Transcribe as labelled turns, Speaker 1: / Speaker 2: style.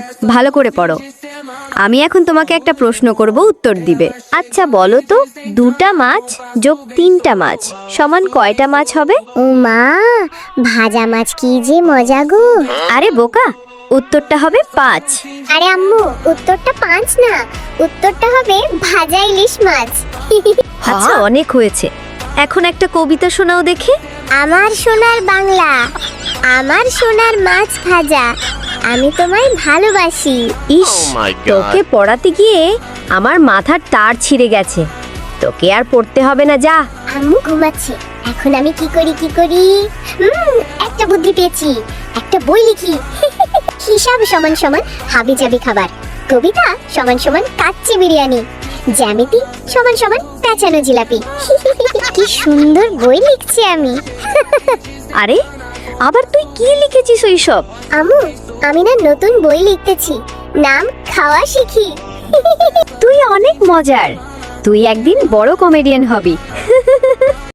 Speaker 1: ভালো করে পড়ো। আমি এখন তোমাকে একটা প্রশ্ন করব, উত্তর দিবে। আচ্ছা বলো তো, 2টা মাছ যোগ 3টা মাছ সমান কয়টা মাছ হবে?
Speaker 2: ও মা, ভাজা মাছ কি যে মজা গো।
Speaker 1: আরে বোকা, উত্তরটা হবে 5।
Speaker 2: আরে আম্মু, উত্তরটা 5 না, উত্তরটা হবে ভাজা ইলিশ মাছ।
Speaker 1: আচ্ছা অনেক হয়েছে, এখন একটা কবিতা শোনাও দেখি।
Speaker 2: আমার সোনার বাংলা, আমার সোনার মাছ ভাজা, আমি তোমায় ভালোবাসি।
Speaker 1: ইস, তোকে পড়াতে গিয়ে আমার মাথার তার ছিঁড়ে গেছে। তোকে আর পড়তে হবে না, যা।
Speaker 2: আম্মু ঘুমাচ্ছে, এখন আমি কি করি? একটা বুদ্ধি পেয়েছি, একটা বই লিখি। হিসাব সমান সমান হাবি জাবি খাবার, কবিতা সমান সমান কাচ্চি বিরিয়ানি, জ্যামিতি সমান সমান পেঁচানো জিলাপি। কি সুন্দর বই লিখছি আমি।
Speaker 1: আরে আবার তুই কি লিখেছিস ওইসব?
Speaker 2: আম্মু, আমি না নতুন বই লিখতেছি, নাম খাওয়া শিখি।
Speaker 1: তুই অনেক মজার, তুই একদিন বড় কমেডিয়ান হবি।